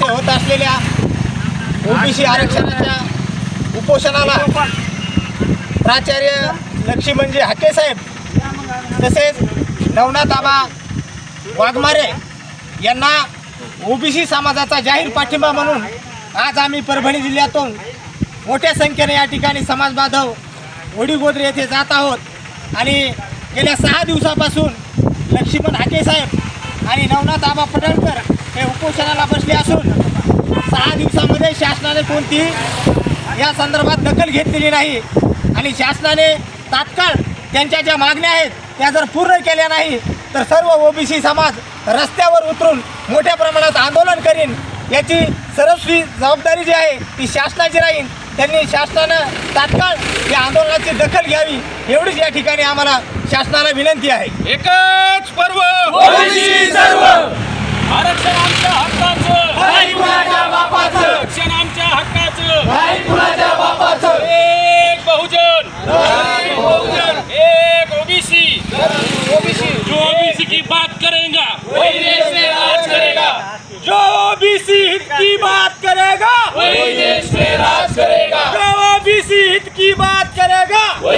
वर्षे होत असलेल्या ओबीसी आरक्षणाच्या उपोषणाला प्राचार्य लक्ष्मणजी हाके साहेब तसेच नवनाथ आबा वाघमारे यांना ओबीसी समाजाचा जाहीर पाठिंबा म्हणून आज आम्ही परभणी जिल्ह्यातून मोठ्या संख्येने या ठिकाणी समाज बांधव वडीगोद्रे येथे जात आहोत आणि गेल्या 6 दिवसापासून लक्ष्मण हाके साहेब आणि नवनाथ आबा पडळकर हे उपोषणाला बसले असून 6 दिवसामध्ये शासनाने कोणतीही या संदर्भात दखल घेतलेली नाही आणि शासनाने तात्काळ त्यांच्या ज्या मागण्या आहेत त्या जर पूर्ण केल्या नाही तर सर्व ओबीसी समाज रस्त्यावर उतरून मोठ्या प्रमाणात आंदोलन करीन। याची सर्वस्वी जबाबदारी जी आहे ती शासनाची राहील। त्यांनी शासनानं तात्काळ या आंदोलनाची दखल घ्यावी एवढीच या ठिकाणी आम्हाला शासनाला विनंती आहे। एकच पर्व ओबीसी सर्व आरक्षण आमच्या हक्काचं नाही कुणाच्या बापाचं आरक्षण आमच्या हक्काचं नाही कुणाच्या बापाचं एक बहुजन नाही बहुजन एक ओबीसी ओबीसी जो ओबीसी की बात करेगा वही देश में राज करेगा जो ओबीसी हित की बात करेगा वही देश में राज करेगा जो ओबीसी हित की बात करेगा